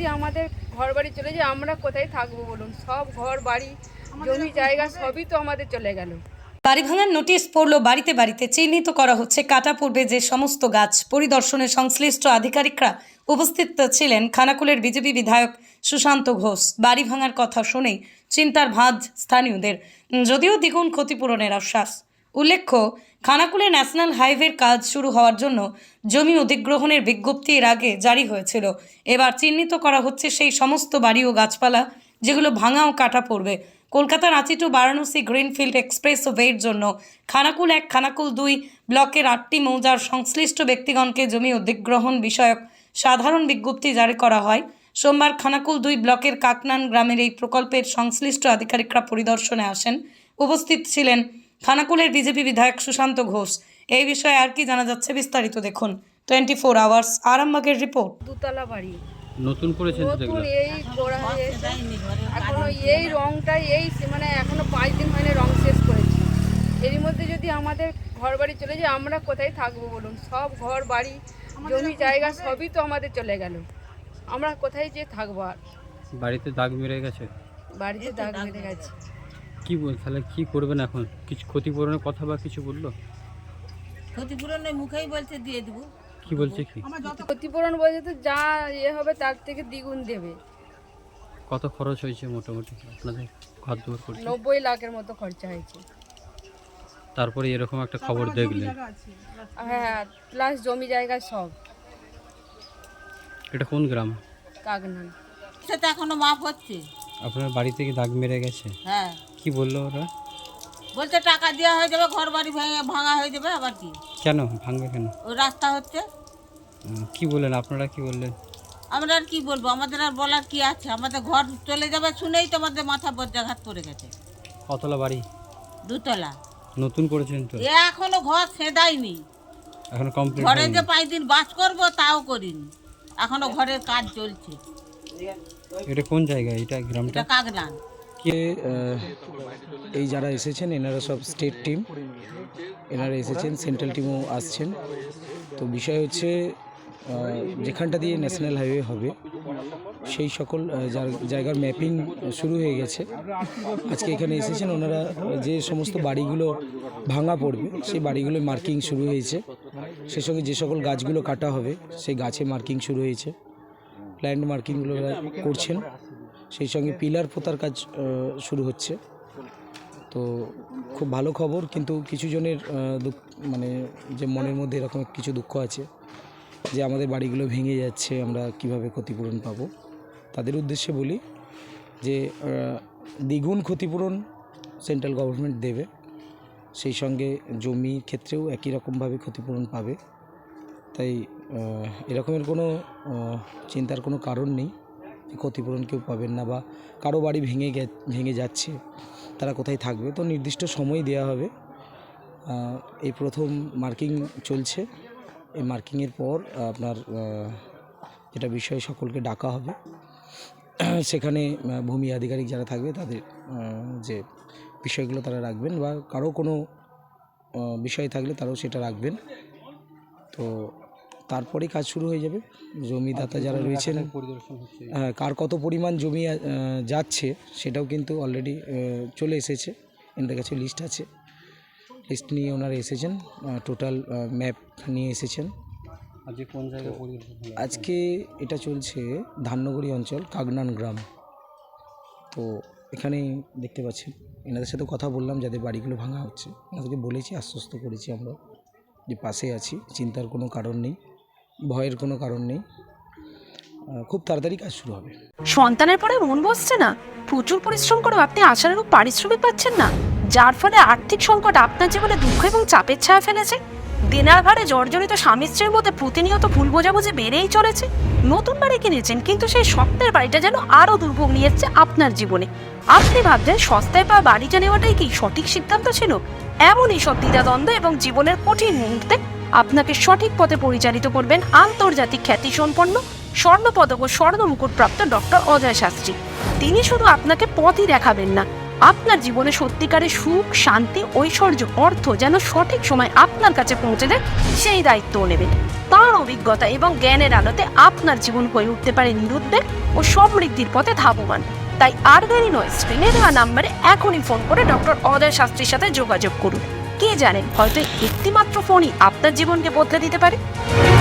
যদি আমাদের ঘর বাড়ি চলে যায় আমরা কোথায় থাকবো বলুন? সব ঘর বাড়ি জমি জায়গা সবই তো আমাদের চলে গেল। বাড়ি ভাঙার নোটিশ পড়ল বাড়িতে বাড়িতে। চিহ্নিত করা হচ্ছে কাটা পূর্বে যে সমস্ত গাছ। পরিদর্শনে সংশ্লিষ্ট আধিকারিকরা উপস্থিত ছিলেন খানাকুলের বিজেপি বিধায়ক সুশান্ত ঘোষ। বাড়ি ভাঙার কথা শুনেই চিন্তার ভাঁজ স্থানীয়দের, যদিও দ্বিগুণ ক্ষতিপূরণের আশ্বাস। উল্লেখ্য, খানাকুলে ন্যাশনাল হাইওয়ের কাজ শুরু হওয়ার জন্য জমি অধিগ্রহণের বিজ্ঞপ্তি এর আগে জারি হয়েছিল। এবার চিহ্নিত করা হচ্ছে সেই সমস্ত বাড়ি ও গাছপালা যেগুলো ভাঙা ও কাটা পড়বে। কলকাতা রাঁচি টু বারাণসী গ্রিনফিল্ড এক্সপ্রেসওয়ের জন্য খানাকুল 1, খানাকুল 2 ব্লকের 8টি মৌজার সংশ্লিষ্ট ব্যক্তিগণকে জমি অধিগ্রহণ বিষয়ক সাধারণ বিজ্ঞপ্তি জারি করা হয়। সোমবার খানাকুল 2 ব্লকের কাকনান গ্রামের এই প্রকল্পের সংশ্লিষ্ট আধিকারিকরা পরিদর্শনে আসেন। উপস্থিত ছিলেন খানাকুলের বিজেপি বিধায়ক সুশান্ত ঘোষ। এই বিষয়ে আর কি জানা যাচ্ছে বিস্তারিত দেখুন 24 আওয়ার্স আরামবাগের রিপোর্ট। দুতলা বাড়ি নতুন করেছেন তো নতুন এগুলো? এই করা হয়েছে এখনো এই রংটাই মানে এখনো 5 দিন হয়নি রং শেষ করেছি। এরই মধ্যে যদি আমাদের ঘর বাড়ি চলে যায় আমরা কোথায় থাকবো বলুন? সব ঘর বাড়ি জমি জায়গা সবই তো আমাদের চলে গেল। আমরা কোথায় যে থাকবো? আর বাড়িতে দাগ মেরে গেছে? বাড়িতে দাগ মেরে গেছে। কি বল তাহলে কি করবেন এখন? কিছু ক্ষতিপূরণের কথা বা কিছু বললো? ক্ষতিপূরণের মুখেই বলছে দিয়ে দেবো। কি বলছে কি? ক্ষতিপূরণ বলছে তো যা হবে তার থেকে দ্বিগুণ দেবে। কত খরচ হয়েছে মোটামুটি আপনাদের ঘর দুয়ার করতে? 90 লাখের মতো খরচা হয়েছে। তারপরে এরকম একটা খবর দেখলেন? হ্যাঁ, প্লাস জমি জায়গা সব। এটা কোন গ্রাম? কাগনান। সেটা এখনো মাপ হচ্ছে। আপনার বাড়ি থেকে দাগ মেরে গেছে? হ্যাঁ, কি বললো ওরা? বলছে টাকা দেওয়া হয়ে যাবে, ঘর বাড়ি ভাঙা হয়ে যাবে। আবার কি কেন ভাঙবে কেন? ওই রাস্তা হচ্ছে। কি বললেন আপনারা, কি বললেন? আমরা আর কি বলবো, আমাদের আর বলার কি আছে? আমাদের ঘর চলে যাবে শুনেই তো আমাদের মাথা বজ্রাঘাত করে গেছে। কতলা বাড়ি? দুতলা। নতুন করেছেন তো? এখনো ঘর সেদাইনি, এখনো কমপ্লিট ঘরে হয়নি? যে 5 দিন বাস করবো তাও করিনি, এখনো ঘরের কাজ চলছে। এটা কোন জায়গা? এটা গ্রামটা এটা কাগনান। কে এই যারা এসেছেন এনারা সব স্টেট টিম, এনারা এসেছেন, সেন্ট্রাল টিমও আসছেন। তো বিষয় হচ্ছে যেখানটা দিয়ে ন্যাশনাল হাইওয়ে হবে সেই সকল জায়গার ম্যাপিং শুরু হয়ে গেছে। আজকে এখানে এসেছেন ওনারা, যে সমস্ত বাড়িগুলো ভাঙা পড়বে সেই বাড়িগুলো মার্কিং শুরু হয়েছে। সেই সঙ্গে যে সকল গাছগুলো কাটা হবে সেই গাছে মার্কিং শুরু হয়েছে, ল্যান্ড মার্কিংগুলো করছেন। সেই সঙ্গে পিলার পোতার কাজ শুরু হচ্ছে। তো খুব ভালো খবর, কিন্তু কিছু জনের মানে যে মনের মধ্যে এরকম কিছু দুঃখ আছে যে আমাদের বাড়িগুলো ভেঙে যাচ্ছে, আমরা কিভাবে ক্ষতিপূরণ পাবো। তাদের উদ্দেশ্যে বলি যে দ্বিগুণ ক্ষতিপূরণ সেন্ট্রাল গভর্নমেন্ট দেবে, সেই সঙ্গে জমির ক্ষেত্রেও একই রকমভাবে ক্ষতিপূরণ পাবে। তাই এরকমের কোনো চিন্তার কোনো কারণ নেই। ক্ষতিপূরণ কেউ পাবেন না, বা কারো বাড়ি ভেঙে যাচ্ছে তারা কোথায় থাকবে, তো নির্দিষ্ট সময় দেওয়া হবে। এই প্রথম মার্কিং চলছে, এই মার্কিংয়ের পর আপনার এটা বিষয়ে সকলকে ডাকা হবে। সেখানে ভূমি আধিকারিক যারা থাকবে তাদের যে বিষয়গুলো তারা রাখবেন, বা কারো কোনো বিষয় থাকলে তারাও সেটা রাখবেন। তো তারপরেই কাজ শুরু হয়ে যাবে। জমিদাতা যারা রয়েছেন, কার কত পরিমাণ জমি যাচ্ছে সেটাও কিন্তু অলরেডি চলে এসেছে, এনাদের কাছে লিস্ট আছে। লিস্ট নিয়ে ওনারা এসেছেন, টোটাল ম্যাপ নিয়ে এসেছেন। আজকে কোন জায়গায় পরিদর্শন? আজকে এটা চলছে ধাননগরী অঞ্চল, কাগনান গ্রাম। তো এখানে দেখতে পাচ্ছেন এনাদের সাথে কথা বললাম, যাদের বাড়িগুলো ভাঙা হচ্ছে ওনাদেরকে বলেছি, আশ্বস্ত করেছি আমরা যে পাশে আছি, চিন্তার কোনো কারণ নেই, ভয়ের কোনো কারণ নেই, খুব তাড়াতাড়ি কাজ শুরু হবে। সন্তানের পরে মন বসছে না, প্রচুর পরিশ্রম করেও আপনি আশানুরূপ পারিশ্রমিক পাচ্ছেন না, যার ফলে আর্থিক সংকট আপনার জীবনে দুঃখ এবং চাপের ছায়া ফেলেছে। দিনার ভারে জর্জরিত স্বামী স্ত্রীর মধ্যে প্রতিনিয়ত ভুল বোঝাবুঝি বেড়েই চলেছে। নতুন বাড়ি কিনেছেন, কিন্তু সেই স্বপ্নের বাড়িটা যেন আরও দুর্ভোগ নিয়ে এসছে আপনার জীবনে। আপনি ভাবছেন সস্তায় পাওয়া বাড়িটা নেওয়াটাই কি সঠিক সিদ্ধান্ত ছিল? এমনই সব দ্বিধাদ্বন্দ্ব এবং জীবনের কঠিন মুহূর্তে আপনাকে সঠিক পথে পরিচালিত করবেন আন্তর্জাতিক খ্যাতিসম্পন্ন স্বর্ণপদক ও স্বর্ণ মুকুটপ্রাপ্ত ডক্টর অজয় শাস্ত্রী। তিনি শুধু আপনাকে পথই দেখাবেন না, আপনার জীবনে সত্যিকারের সুখ, শান্তি, ঐশ্বর্য, অর্থ যেন সঠিক সময় আপনার কাছে পৌঁছে দেয়, সেই দায়িত্বও নেবেন। তার অভিজ্ঞতা এবং জ্ঞানের আলোতে আপনার জীবন হয়ে উঠতে পারে নিরুদ্বেগ ও সমৃদ্ধির পথে ধাবমান। তাই আর দেরি নয়, স্ক্রিনে দেওয়া নাম্বারে এখনই ফোন করে ডক্টর অজয় শাস্ত্রীর সাথে যোগাযোগ করুন। কে জানেন, হয়তো একটিমাত্র ফোনই আপনার জীবনকে বদলে দিতে পারে।